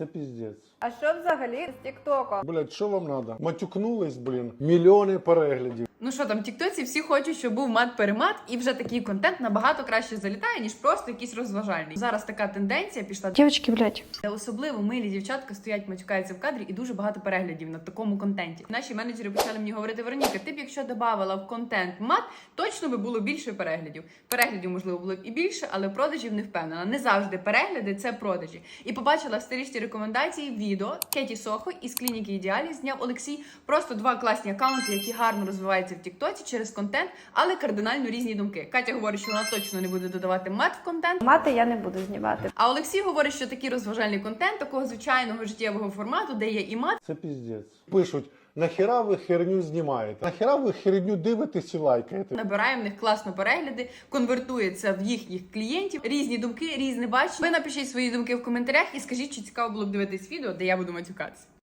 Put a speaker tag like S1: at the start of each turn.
S1: Це піздець.
S2: А що взагалі з Тіктоком?
S1: Блять, що вам надо? Матюкнулись, блін. Мільйони переглядів.
S3: Ну що там, в тіктоці всі хочуть, щоб був мат-перемат, і вже такий контент набагато краще залітає, ніж просто якийсь розважальний. Зараз така тенденція пішла.
S2: Дівчатки, блядь.
S3: Де особливо милі дівчатка стоять, матюкаються в кадрі, і дуже багато переглядів на такому контенті. Наші менеджери почали мені говорити: Вероніка, ти б якщо додавала в контент мат, точно би було більше переглядів. Переглядів, можливо, було б і більше, але продажів не впевнена. Не завжди перегляди це продажі. І побачила в старішті рекомендації відео Кеті Сохо із клініки Ідеалі зняв Олексій. Просто два класні аккаунти, які гарно розвиваються в тіктоці через контент, але кардинально різні думки. Катя говорить, що вона точно не буде додавати мат в контент.
S2: Мати я не буду знімати.
S3: А Олексій говорить, що такий розважальний контент, такого звичайного життєвого формату, де є і мат.
S1: Це піздець. Пишуть, нахіра ви херню знімаєте? Нахіра ви херню дивитесь і лайкаєте?
S3: Набирає в них класно перегляди, конвертується в їхніх клієнтів. Різні думки, різне бачення. Ви напишіть свої думки в коментарях і скажіть, чи цікаво було б дивитись відео, де я буду матюкатися.